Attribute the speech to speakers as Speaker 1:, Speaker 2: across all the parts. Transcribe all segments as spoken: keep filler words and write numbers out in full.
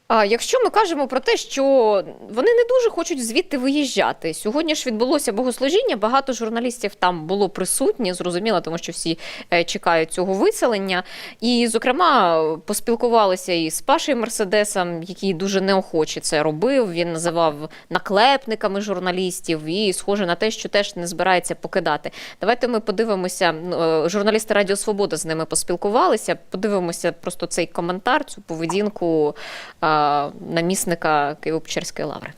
Speaker 1: А якщо ми кажемо про те, що вони не дуже хочуть звідти виїжджати. Сьогодні ж відбулося богослужіння, багато журналістів там було присутні, зрозуміло, тому що всі е, чекають цього виселення. І, зокрема, поспілкувалися і з Пашею Мерседесом, який дуже неохоче це робив. Він називав наклепниками журналістів і схоже на те, що теж не збирається покидати. Давайте ми подивимося, е, журналісти Радіо Свобода з ними поспілкувалися, подивимося просто цей коментар, цю поведінку е, намісника Києво-Печерської лаври.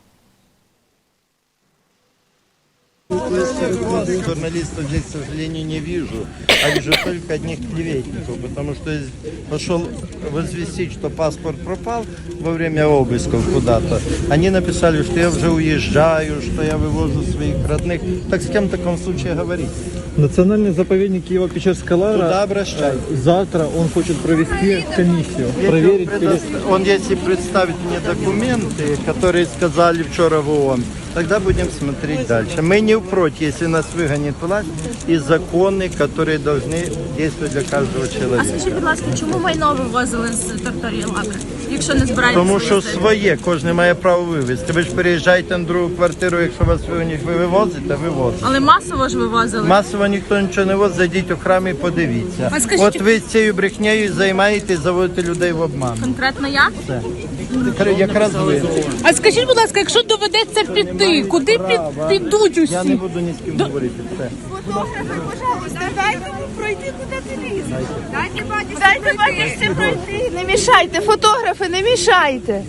Speaker 2: Журналистов здесь, к сожалению, не вижу, а вижу только одних клеветников, потому что пошел возвестить, что паспорт пропал во время обысков куда-то. Они написали, что я уже уезжаю, что я вывожу своих родных. Так с кем в таком случае говорить?
Speaker 3: Национальный заповедник Киево-Печерская лавра.
Speaker 2: Туда обращайтесь.
Speaker 3: Завтра он хочет провести комиссию,
Speaker 2: Если
Speaker 3: проверить.
Speaker 2: он, предо... он если представит мне документы, которые сказали вчера в ООН, тогда будем смотреть дальше. Мы не против, если нас выгонит власть, и законы, которые должны действовать для каждого
Speaker 4: А
Speaker 2: человека.
Speaker 4: скажіть, будь ласка, чому майно вивозили з території лаври, якщо не збираєтеся
Speaker 2: Тому що
Speaker 4: вивозити?
Speaker 2: своє, кожен має право вивезти. Ви ж переїжджаєте на другу квартиру, якщо вас вигонять, ви вивозите, вивозите.
Speaker 4: Але масово ж вивозили.
Speaker 2: Масово ніхто нічого не возить, зайдіть у храм і подивіться.
Speaker 4: А скажіть-
Speaker 2: От ви цією брехнею займаєтесь, заводите людей в обман.
Speaker 4: Конкретно я?
Speaker 2: Все. Якраз ви.
Speaker 5: А скажіть, будь ласка, якщо доведеться піти, куди під, підуть
Speaker 2: Я не
Speaker 5: усі?
Speaker 2: буду ні з ким говорити. Все.
Speaker 6: Фотографи, пожалуйста, дайте йому пройти, куди ти лізеш. Дайте батюшці Дайте батюшці пройти. Не мішайте, фотографи, не мішайте.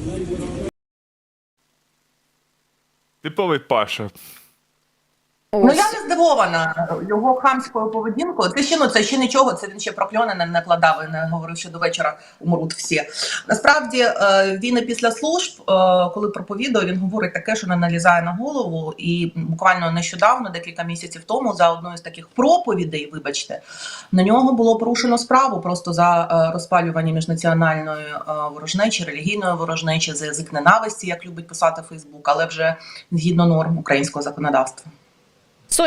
Speaker 7: Типовий Паша.
Speaker 8: Ну я не здивована його хамською поведінкою. Це ще ну це ще нічого. Це він ще прокльони не накладав і не говорив, що до вечора умруть всі. Насправді він і після служб, коли проповідує, він говорить таке, що не налізає на голову. І буквально нещодавно, декілька місяців тому, за одною з таких проповідей, вибачте, на нього було порушено справу просто за розпалювання міжнаціональної ворожнечі, релігійної ворожнечі, за язик ненависті, як любить писати Фейсбук, але вже згідно норм українського законодавства.